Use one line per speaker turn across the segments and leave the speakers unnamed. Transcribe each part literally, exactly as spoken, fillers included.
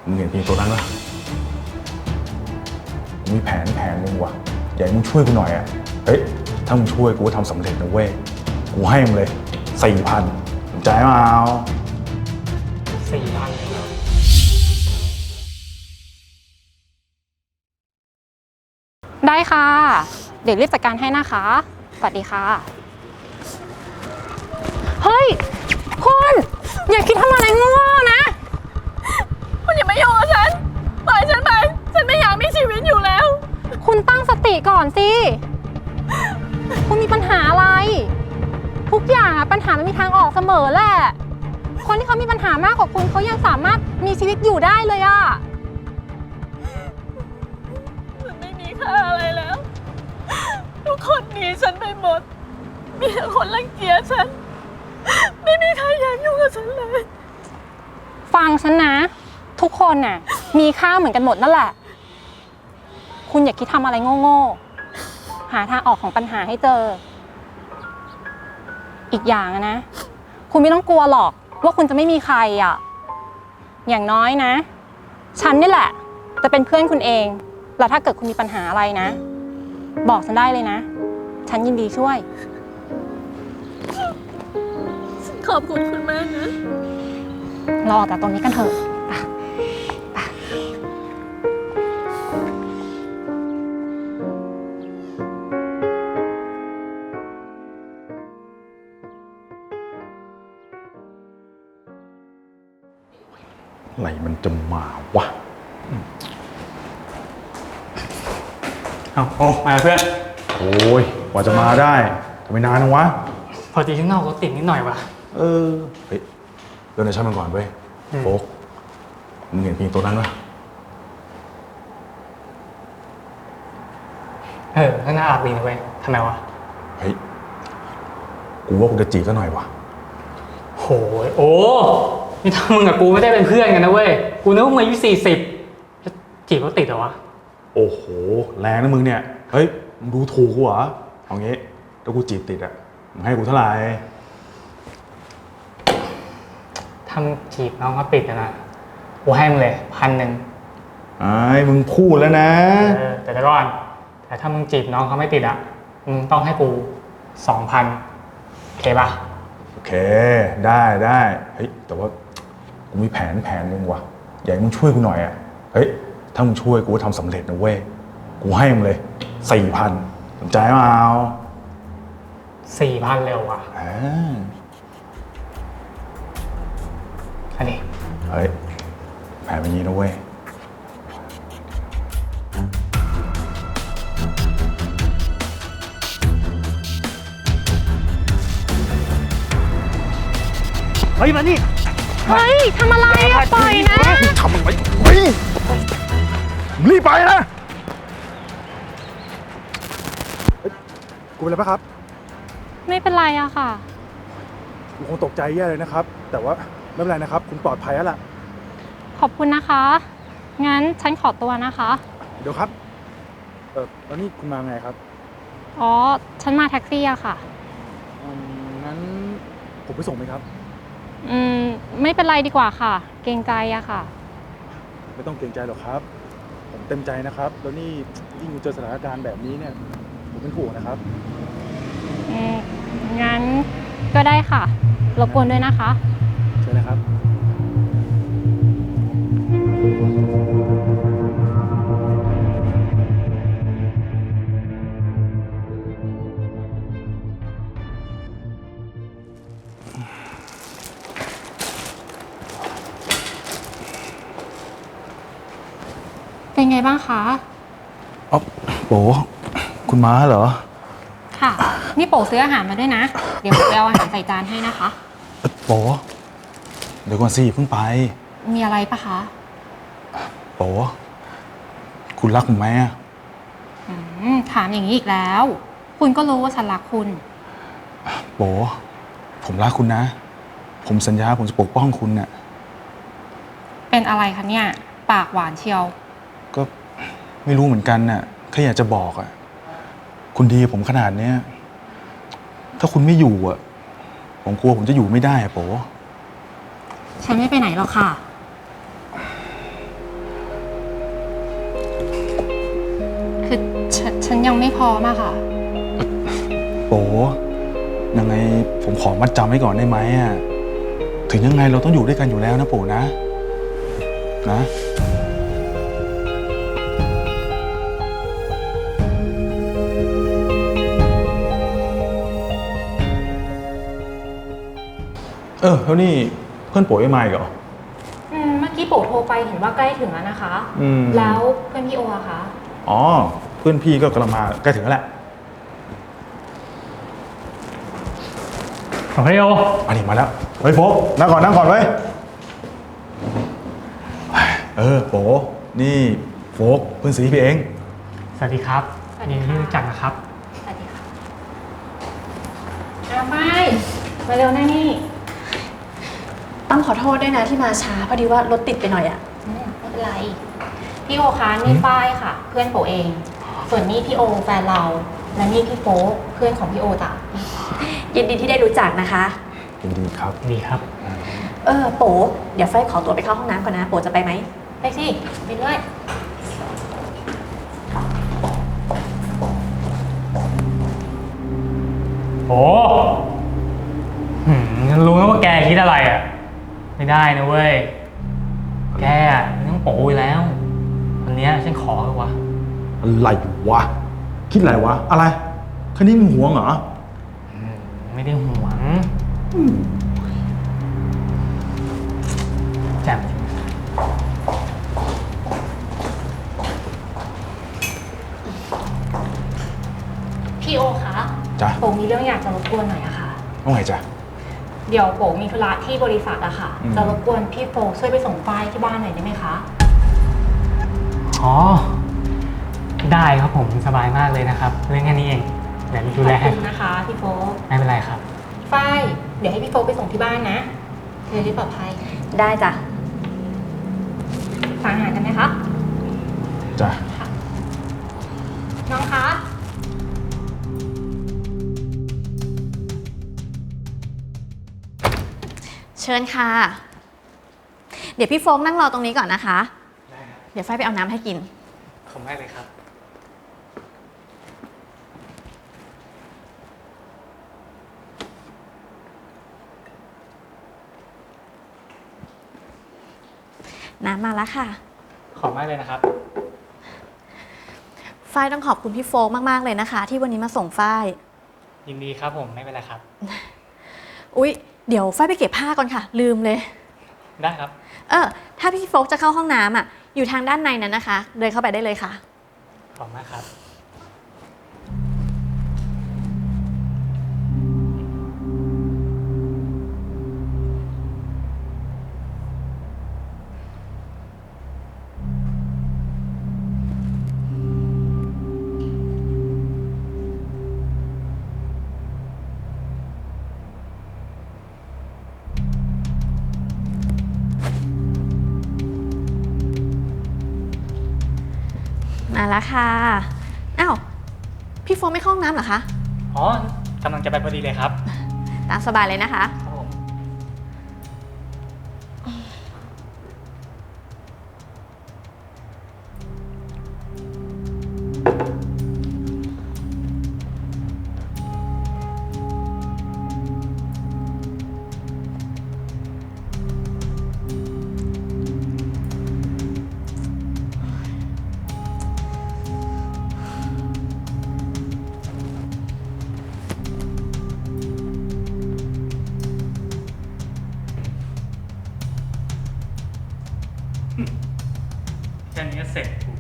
มึงเห็นพี่ตัวนั้นปะกูมีแผนแผนนึงว่ะอยากให้มึงช่วยกูหน่อยอ่ะเฮ้ยถ้ามึงช่วยกูก็ทำสำเร็จนะเว้ยกูให้มึงเลยสี่พันสนใจมาเอา
สี่พันเลยเหรอ
ได้ค่ะเดี๋ยวรีบจัดการให้นะคะสวัสดีค่ะเฮ้ยคุณอย่าคิดทำอะไรโง่ๆนะ
คุณอย่ามายุ่งกับฉันปล่อยฉันไปฉันไม่อยากมีชีวิตอยู่แล้ว
คุณตั้งสติก่อนสิคุณมีปัญหาอะไรทุกอย่างอะปัญหามันมีทางออกเสมอแหละคนที่เขามีปัญหามากกว่าคุณเขายังสามารถมีชีวิตอยู่ได้เลยอะ
มันไม่มีค่าอะไรแล้วทุกคนหนีฉันไปหมดมีแต่คนรังเกียจฉันไม่มีใครอยากยุ่งกับฉันเลย
ฟังฉันนะทุกคนน่ะมีค่าเหมือนกันหมดนั่นแหละคุณอย่าคิดทำอะไรโง่ๆหาทางออกของปัญหาให้เจออีกอย่างนะคุณไม่ต้องกลัวหรอกว่าคุณจะไม่มีใครอ่ะอย่างน้อยนะฉันนี่แหละจะเป็นเพื่อนคุณเองแล้วถ้าเกิดคุณมีปัญหาอะไรนะบอกฉันได้เลยนะฉันยินดีช่วย
ขอบคุณคุณมากนะ
เราออกจากตรงนี้กันเถอะ
อะไรมันจะมาวะ
เอาโอ้มาเพื่อน
โอ้ยกว่าจะมาได้ทำไมนานนะวะ
พอดีข้างนอกรถติดนิดหน่อยว่ะ
เออเฮ้ยเดินในชั้นมันก่อนเว้ยโฟกมึงเห็นพี่ตัวนั้นปะ
เออข้างหน้าอาบดีนะเว้ยทำไมวะ
เฮ้ยกูว่ากูจะจีบซะหน่อยวะ
โหยโอ้นี่ถ้ามึงกับกูไม่ได้เป็นเพื่อนกันนะเว้ยกูนึกว่ามึงอายุสี่สิบจะจีบเขาติดเหรอวะ
โอ้โหแรงนะมึงเนี่ยเฮ้ยมึงดูถูกกูเหรอเอางี้ถ้ากูจีบติดอ่ะมึงให้กูเท่าไหร่
ทำจีบน้องเขาติดนะกูให้มึงเลยพันหนึ่ง
ไอ้มึงพูดแล้วนะ
เออแต่เดี๋ยวก่อนแต่ถ้ามึงจีบน้องเขาไม่ติดอ่ะมึงต้องให้กูสองพันโอเคป่ะ
โอเคได้ได้เฮ้ยแต่ว่ากูมีแผนแผนนึงว่ะอยากให้มึงช่วยกูหน่อยอ่ะเฮ้ยถ้ามึงช่วยกูก็ทำสำเร็จนะเว้ยกูให้มึงเลยสี่พันสนใจมาเอา
สี่พันเร็วว่ะ
อ่า
อันนี้
เฮ้ยแผนเป็นอย่างนี้นะเว้ย
เฮ้ยมานี่
เฮ้ยทำอะไรอะปล่อยนะ
ทำอะไรเฮ้ยรีบไปนะกูเป็นอะไรปะครับ
ไม่เป็นไรอะค่ะ
กูคงตกใจแย่เลยนะครับแต่ว่าไม่เป็นไรนะครับคุณปลอดภัยแล้วล่ะ
ขอบคุณนะคะงั้นฉันขอตัวนะคะ
เดี๋ยวครับเออแล้วนี่คุณมาไงครับ
อ๋อฉันมาแท็กซี่อะค่ะ
อืมงั้นผมไปส่งไหมครับ
อืมไม่เป็นไรดีกว่าค่ะเกรงใจอะค่ะ
ไม่ต้องเกรงใจหรอกครับผมเต็มใจนะครับแล้วนี่ยิ่งเจอสถานการณ์แบบนี้เนี่ยผมเป็นห่วงนะครับ
อืมงั้นก็ได้ค่ะรบกวนด้วยนะคะ
เชิญนะครับ
เป็นไงบ้างคะ
อ๋อโป๋คุณม้าเหรอ
ค่ะนี่โป๋ซื้ออาหารมาด้วยนะเดี๋ยวไปเอาอาหารใส่จานให้นะคะ
โป๋เดี๋ยวก่อนสิเพิ่งไป
มีอะไรปะคะ
โป๋คุณรักผมไหมอ่ะ
ถามอย่างนี้อีกแล้วคุณก็รู้ว่าฉันรักคุณ
โป๋ผมรักคุณนะผมสัญญาผมจะปกป้องคุณเนี่ย
เป็นอะไรคะเนี่ยปากหวานเชียว
ก็ไม่รู้เหมือนกันน่ะแค่อยากจะบอกอ่ะคุณดีผมขนาดเนี้ยถ้าคุณไม่อยู่อ่ะผมกลัวผมจะอยู่ไม่ได้อ่ะโป๋
ฉันไม่ไปไหนหรอกค่ะคือฉนฉันยังไม่พร้อมอะค่ะ
โป๋ยังไงผมขอมัดจำไว้ก่อนได้ไหมอ่ะ ถึงยังไงเราต้องอยู่ด้วยกันอยู่แล้วนะโป๋นะ นะ เออแล้วนี่เพื่อนโป๋ไม่มาอีกเหรอ
อืม เมื่อกี้โปโทรไปเห็นว่าใกล้ถึงแล้วนะคะ
อืม
แล้วเพื่อนพี่โออะคะ
อ๋อ เพื่อนพี่ก็กำลังมาใกล้ถึงแล้วแหละ
ของพี่โอ
อันนี้มาแล้ว เฮ้ยโฟกนั่งก่อนนั่งก่อนไว้ยเออโป๋นี่โฟกเพื่อนสีพี่เอง
สวัสดีครับ
สวัสดี
ยิน
ค่ะ
ดีที่รู้จักนะครับ
สวัสดีค่ะอาไม่มาเร็วนะนี่
ต้องขอโทษด้วยนะที่มาช้าพอดีว่ารถติดไปหน่อยอะ
อืมไม่เป็นไร พี่โอคะนี่ป้ายค่ะ เพื่อนโปเอง ส่วนนี่พี่โอแฟนเรา และนี่พี่โป๊เพื่อนของพี่โอจ้ะ
ยินดีที่ได้รู้จักนะคะ
ยินดีครับ
ดีครับ
เออโปเดี๋ยวไฟขอตัวไปเข้าห้องน้ำก่อนนะ โปจะไปไหม
ไปสิไปด้วย
โอ้หืมฉันรู้นะว่าแกคิดอะไรอ่ะ ไม่ได้นะเว้ย แกอ่ะมันต้องโป๋อยู่แล้ว วันเนี้ยฉันขอเลยวะ
อะไรวะ คิดอะไรวะ อะไรแค่นี้มึงหวงเหรอ
อืมไม่ได้หวงแจ่ม
พี่โอคะ
จ๊ะ
โปมีเรื่องอยากจะรบกวนหน่อยอะค่ะ
ว่าไงจ๊ะ
เดี๋ยวโปมีธุระที่บริษัทอะค่ะ
อืม
จะรบกวนพี่โฟช่วยไปส่งป้ายที่บ้านหน่อยได้ไหมคะ
อ๋อ ได้ครับผมสบายมากเลยนะครับ เรื่องแค่นี้เองเดี๋ยวดู
ข
แล
อบ
ให้
คุณนะคะพี่โฟ
ไม่เป็นไรครับ
ฝ้ายเดี๋ยวให้พี่โฟไปส่งที่บ้านนะเธอได้ปลอดภัย
ได้จ้ะ
ทานอาหารกันไหมคะ
จ้ะ
ค่ะ น้องคะ
เชิญค่ะ เดี๋ยวพี่โฟกนั่งรอตรงนี้ก่อนนะคะ
ได้ครับ
เดี๋ยวไฟไปเอาน้ำให้กิน
ขอบคุณมากเลยครับ
น้ำมาแล้วค่ะ
ขอบมากเลยนะครับ
ฝ้ายต้องขอบคุณพี่โฟกมากๆเลยนะคะ ที่วันนี้มาส่งฝ้าย
ยินดีครับผมไม่เป็นไรครับ
อุ๊ย เดี๋ยวฝ้ายไปเก็บผ้าก่อนค่ะ ลืมเลย
ได้ครับ
เออ ถ้าพี่โฟกจะเข้าห้องน้ำอ่ะ อยู่ทางด้านในนั้นนะคะ เดินเข้าไปได้เลยค่ะ
ขอบคุณมากครับ
มาแล้วค่ะ อ้าว พี่โฟกไม่เข้าห้องน้ำเหรอคะ
อ๋อกำลังจะไปพอดีเลยครับ
ตามสบายเลยนะคะ
ครับผม แค่นี้ก็เสร็จกู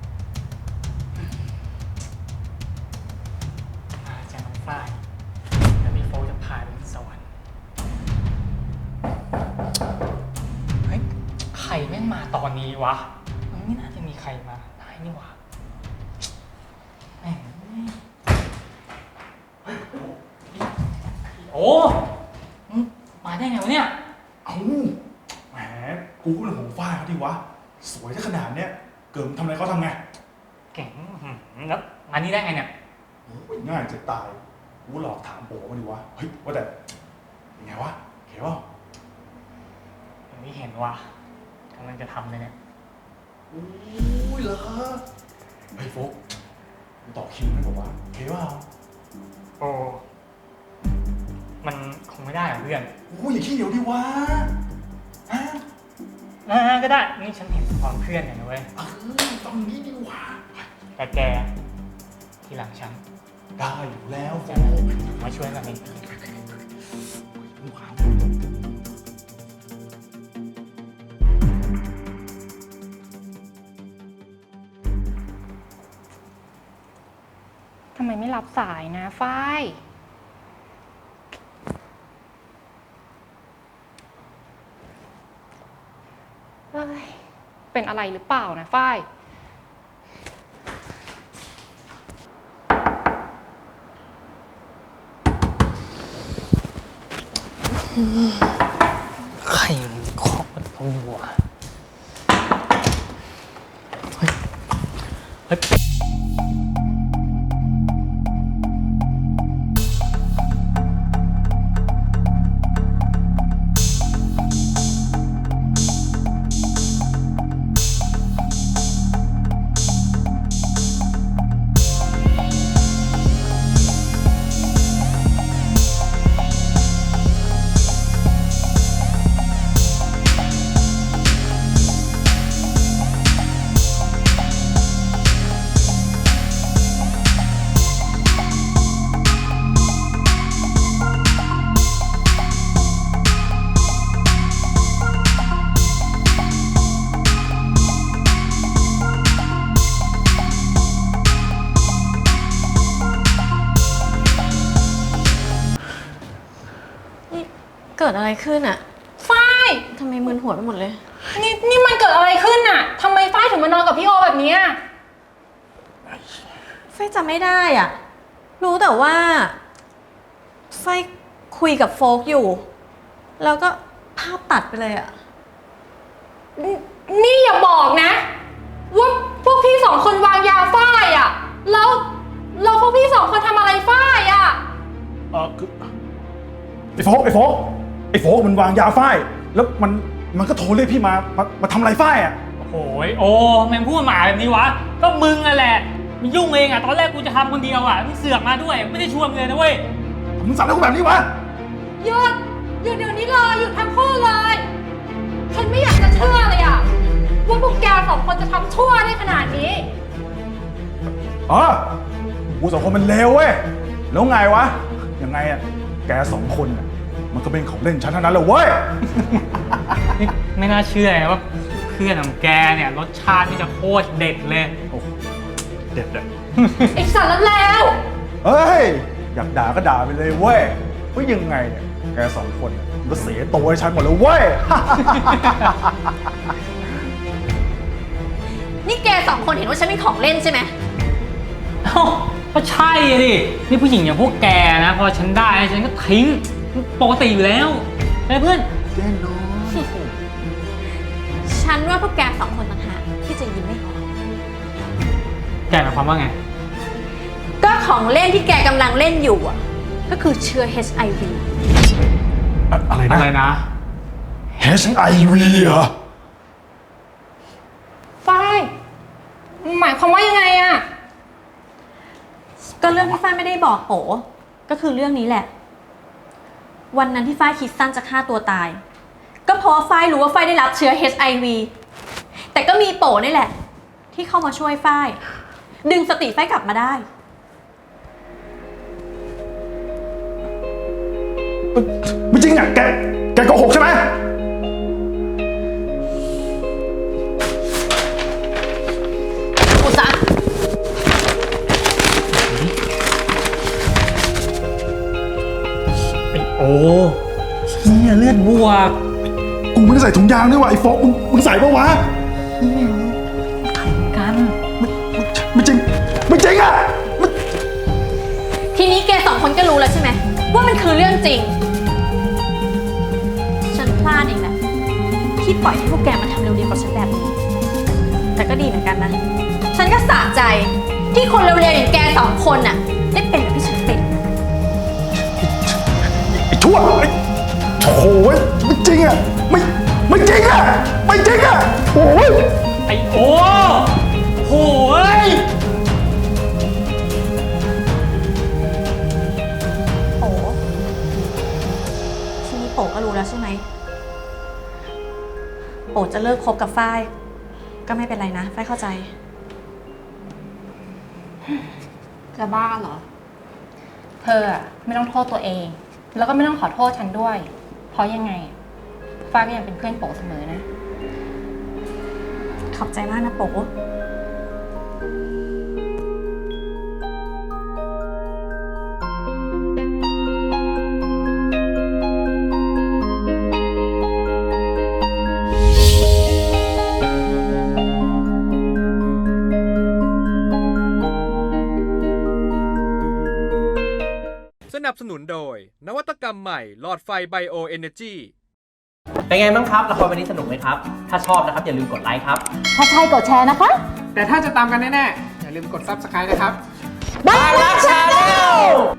อาจารย์น้องฝ้ายแล้วพี่โฟจะพาไปสวรรค์ เฮ้ย ใครแม่งมาตอนนี้วะ มันไม่น่าจะมีใครมาได้นี่หว่าแม่งเฮ้ยโอ้มึงมาได้ไงวะเนี่ย
เอ้าแหมกูก็เป็นห่วงฝ้ายเขาดิวะ สวยได้ขนาดเนี้ย เกิดมึงทำอะไรเขาทำไง
เก่งหืมแล้วมานี่ได้ไงเนี่ย
โอ้ยง่ายจะตาย กูหลอกถามโป๋มาดิวะ เฮ้ย ว่าแต่ยังไงวะเขียว
อย่างที่เห็นว่ะกำลังจะทำเลยเนี่ย
โอ้ยเหรอเฮ้ยโฟกต่อคิวให้ผมว่าโอเคเปล่า
โอ้มันคงไม่ได้หรอกเพื่อน
โอ้ยอย่าขี้เหนียวดิวะฮะ
อ่าก็ได้นี่ฉันเห็นความเพื่อนกันนะเว้ย
เออต้องนี้ดีวะ
แต่แกทีหลังฉัน
ได้อยู่แล้วโฟ
จะมาช่วยกันเอง
ทำไมไม่รับสายนะฝ้ายเฮ้ยเป็นอะไรหรือเปล่านะฝ้าย
ใครมันเคาะประตูวะเฮ้ยเฮ้ย
เกิดอะไรขึ้นอะ
ฝ้าย
ทำไมมึนหัวไปหมดเลย
นี่นี่มันเกิดอะไรขึ้นน่ะทำไมฝ้ายถึงมานอนกับพี่โอแบบเนี้ย
ไฟจำไม่ได้อะรู้แต่ว่าไฟคุยกับโฟกอยู่ แล้วก็ภาพตัดไปเลยอะ
นี่นี่อย่าบอกนะ ว่าพวกพี่สองคนวางยาฝ้ายอ่ะ แล้วแล้วพวกพี่สองคนทำอะไรฝ้ายอ่ะ
เออคือไอ้โฟกไอ้โฟกไอ้โฟกมันวางยาฝ้ายแล้วมันมันก็โทรเรียกพี่มามามาทำอะไรฝ้ายอ่ะ
โอ้ยโอ้แม่งพูดหมาแบบนี้วะก็มึงอะแหละมึงยุ่งเองอะตอนแรกกูจะทำคนเดียวอะมึงเสือกมาด้วยไม่ได้ชวนมึงเลยนะเว้ย
มึงสั่งให้กูแบบนี้วะ
หยุดหยุดเดี๋ยวนี้เลยหยุดทั้งคู่เลย ฉันไม่อยากจะเชื่อเลยอ่ะ ว่าพวกแกสองคนจะทำชั่วได้ขนาดนี้
อ๋อกูสองคนมันเลวเว้ยแล้วไงวะยังไงอ่ะแกสองคนน่ะมันก็เป็นของเล่นฉันเท่านั้นแหละเว้ย
นี่ไม่น่าเชื่อนะว่าเพื่อนของแกเนี่ยรสชาตินี่จะโคตรเด็ดเลย
โอ้โหเด็ดอ่ะ
ไอ้สารแล้ว
เฮ้ยอยากด่าก็ด่าไปเลยเว้ยว่ายังไงเนี่ยแกสองคนน่ะมันก็เสียตัวให้ฉันหมดเลยเว้ย
นี่แกสองคนเห็นว่าฉันเป็นของเล่นใช่ไหม
เอ้าก็ใช่ดินี่ผู้หญิงอย่างพวกแกนะพอฉันได้ฉันก็ทิ้งปกติอยู่แล้วไอ้เพื่อน
แน่นอน
ฉันว่าพวกแกสองคนต่างหากที่จะยิ้มไม่ออก
แกหมายความว่าไง
ก็ของเล่นที่แกกำลังเล่นอยู่อ่ะ ก็คือเชื้อ เอช ไอ วี
อะอะไรนะ
อะไรนะ
เอช ไอ วี เหรอ
ฝ้ายหมายความว่ายังไงอะ
ก็เรื่องที่ฝ้ายไม่ได้บอกโป๋ก็คือเรื่องนี้แหละ วันนั้นที่ฝ้ายคิดสั้นจะฆ่าตัวตาย ก็เพราะว่าฝ้ายรู้ว่าฝ้ายได้รับเชื้อ เอช ไอ วี แต่ก็มีโป๋นี่แหละ ที่เข้ามาช่วยฝ้าย ดึงสติฝ้ายกลับมาได้
ไม่จริงอ่ะแกแกโกหกใช่ไหม
กูซะ
ไอ้โอ้เนี่ยเลือดบวก
กูไม่ได้ใส่ถุงยางด้วยว่ะไอ้โฟกมึงมึงใส่ปะวะ
กัน
ไม่ไม่ไม่จริงไม่จริงอ่ะมัน
ทีนี้แกสองคนก็รู้แล้วใช่ไหมว่ามันคือเรื่องจริง ฉันพลาดเองแหละที่ปล่อยให้พวกแกมาทำเร็วๆกับฉันแบบนี้ แต่ก็ดีเหมือนกันนะ ฉันก็สะใจที่คนเร็วๆอย่างแกสองคนน่ะได้เป็นแบบที่ฉันเป็น
ไอ้ชั่วไอ้โถ่เว้ยไม่จริงอ่ะไม่ไม่จริงอ่ะไม่จริงอ่ะโอ้ย
ไอ้โอ้โหย
ก็รู้แล้วใช่ไหมโป๋จะเลิกคบกับฝ้ายก็ไม่เป็นไรนะฝ้ายเข้าใจ
จะบ้าเหรอ เธออะไม่ต้องโทษตัวเอง แล้วก็ไม่ต้องขอโทษฉันด้วย เพราะยังไงฟ้าก็ยังเป็นเพื่อนโป๋เสมอนะ
ขอบใจมากนะโป๋
สนับสนุนโดยนวัตกรรมใหม่หลอดไฟไบโอเอเนจี
เป็นไงบ้างครับละครวันนี้สนุกไหมครับ ถ้าชอบนะครับอย่าลืมกดไลค์ครับ
ถ้าใช่กดแชร์นะคะ
แต่ถ้าจะตามกันแน่ๆ อย่าลืมกด ซับสไครบ์ นะครับ
บ้านรักชาแนล